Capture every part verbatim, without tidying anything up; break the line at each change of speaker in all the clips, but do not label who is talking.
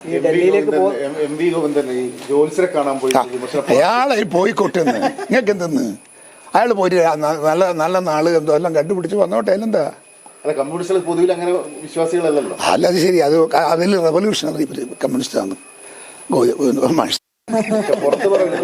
ഈ ഡൽഹിയിലേക്ക്
M V Govindan ഈ ജോത്സ്യരെ കാണാൻ പോയി
അയാളെ പോയിക്കോട്ടെന്ന് നിങ്ങൾക്ക് എന്തെന്ന് അയാൾ പോയിട്ട് നല്ല നല്ല നാള് എന്തോ എല്ലാം കണ്ടുപിടിച്ച് വന്നോട്ടെ അതിലെന്താ.
അല്ല കമ്മ്യൂണിസ്റ്റുകൾ പൊതുവിൽ അങ്ങനെ വിശ്വാസികളല്ലല്ലോ.
അല്ല അത് ശരി, അത് അതിൽ റെവല്യൂഷണറി കമ്മ്യൂണിസ്റ്റാണ്
പുറത്ത് പറയുന്നില്ല.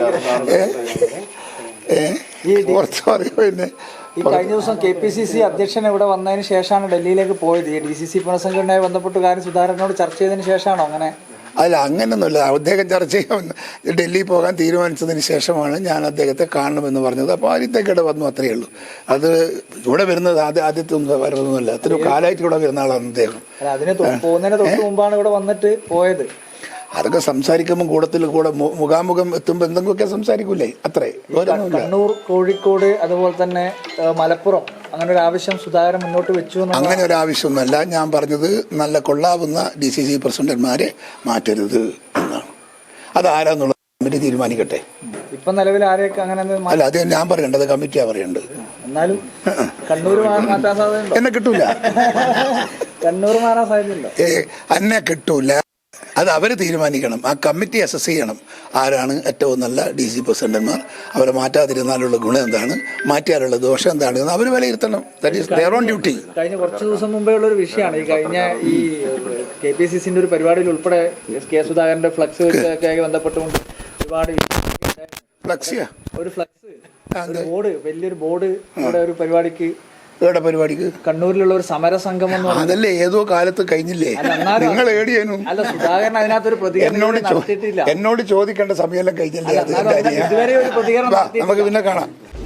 പുറത്ത് പറയുമോ പിന്നെ.
ഈ കഴിഞ്ഞ ദിവസം കെ പി സി സി അധ്യക്ഷൻ ഇവിടെ വന്നതിന് ശേഷമാണ് ഡൽഹിയിലേക്ക് പോയത്. ഈ ഡി സി സി പുനഃസംഘടനയുമായി ബന്ധപ്പെട്ട് കാര്യം സുധാകരനോട് ചർച്ച ചെയ്തതിന് ശേഷമാണോ അങ്ങനെ?
അല്ല അങ്ങനെയൊന്നുമില്ല. അദ്ദേഹം ചർച്ച ചെയ്യാൻ ഡൽഹി പോകാൻ തീരുമാനിച്ചതിന് ശേഷമാണ് ഞാൻ അദ്ദേഹത്തെ കാണണമെന്ന് പറഞ്ഞത്. അപ്പോൾ ആദ്യത്തേക്കിടെ വന്നു, അത്രയേ ഉള്ളൂ. അത് ഇവിടെ വരുന്നത് ആദ്യ ആദ്യത്തെ ഒന്നും വരുന്നൊന്നുമല്ല, അത്രയും കാലമായിട്ട് ഇവിടെ വരുന്ന ആളാണ് അദ്ദേഹം.
അതിന് പോകുന്നതിന് തൊട്ട് മുമ്പാണ് ഇവിടെ വന്നിട്ട് പോയത്.
അതൊക്കെ സംസാരിക്കുമ്പോൾ കൂടത്തിൽ കൂടെ മുഖാമുഖം എത്തുമ്പോൾ എന്തെങ്കിലുമൊക്കെ സംസാരിക്കൂലേ, അത്രേ.
കണ്ണൂർ, കോഴിക്കോട്, അതുപോലെ തന്നെ മലപ്പുറം അങ്ങനെ ഒരു ആവശ്യം സുധാകരൻ മുന്നോട്ട് വെച്ചു.
അങ്ങനെ ഒരു ആവശ്യമൊന്നുമല്ല. ഞാൻ പറഞ്ഞത് നല്ല കൊള്ളാവുന്ന ഡി സി സി പ്രസിഡന്റ്മാരെ മാറ്റരുത് എന്നാണ്. അത് ആരാന്നുള്ള കമ്മിറ്റി തീരുമാനിക്കട്ടെ.
ഇപ്പൊ നിലവിൽ ആരെയൊക്കെ അങ്ങനെ
അല്ല, അത് ഞാൻ പറയേണ്ടത് കമ്മിറ്റിയാ പറയേണ്ടത്.
എന്നാലും കണ്ണൂർ മാറ്റാൻ സാധ്യതയുണ്ടോ?
എന്നെ കിട്ടൂല.
കണ്ണൂർ മാറാൻ സാധ്യതയുണ്ടോ?
ഏ എന്നെ കിട്ടൂല. അത് അവർ തീരുമാനിക്കണം. ആ കമ്മിറ്റി അസസ് ചെയ്യണം ആരാണ് ഏറ്റവും നല്ല ഡി സി പ്രസിഡന്റ്മാർ, അവരെ മാറ്റാതിരുന്നാലുള്ള ഗുണം എന്താണ്, മാറ്റിയാലുള്ള ദോഷം എന്താണ് എന്ന് അവർ വിലയിരുത്തണം. That is there on duty.
കഴിഞ്ഞ കുറച്ച് ദിവസം മുമ്പേ ഉള്ള ഒരു വിഷയമാണ് ഈ കഴിഞ്ഞ ഈ കെ പി സി സിന്റെ ഒരു പരിപാടിയിൽ ഉൾപ്പെടെ കെ സുധാകരന്റെ ഫ്ലക്സ് ഒക്കെ ബന്ധപ്പെട്ടുകൊണ്ട് ഒരുപാട്
ഫ്ലക്സിയാ
ഒരു ഫ്ലക്സ് ബോർഡ്, വലിയൊരു ബോർഡ് ഇവിടെ ഒരു പരിപാടിക്ക്
ഏടെ പരിപാടിക്ക്
കണ്ണൂരിലുള്ള ഒരു സമര സംഗമം
അതല്ലേ ഏതോ കാലത്ത് കഴിഞ്ഞില്ലേ? നിങ്ങൾ ഏടിയാനും
അല്ല സുധാകരൻ അതിനകത്തൊരു പ്രതികരണം
എന്നോട് ചോദിക്കേണ്ട സമയമെല്ലാം കഴിഞ്ഞില്ലേ?
ഇതുവരെ ഒരു പ്രതികരണം
നമുക്ക് പിന്നെ കാണാം.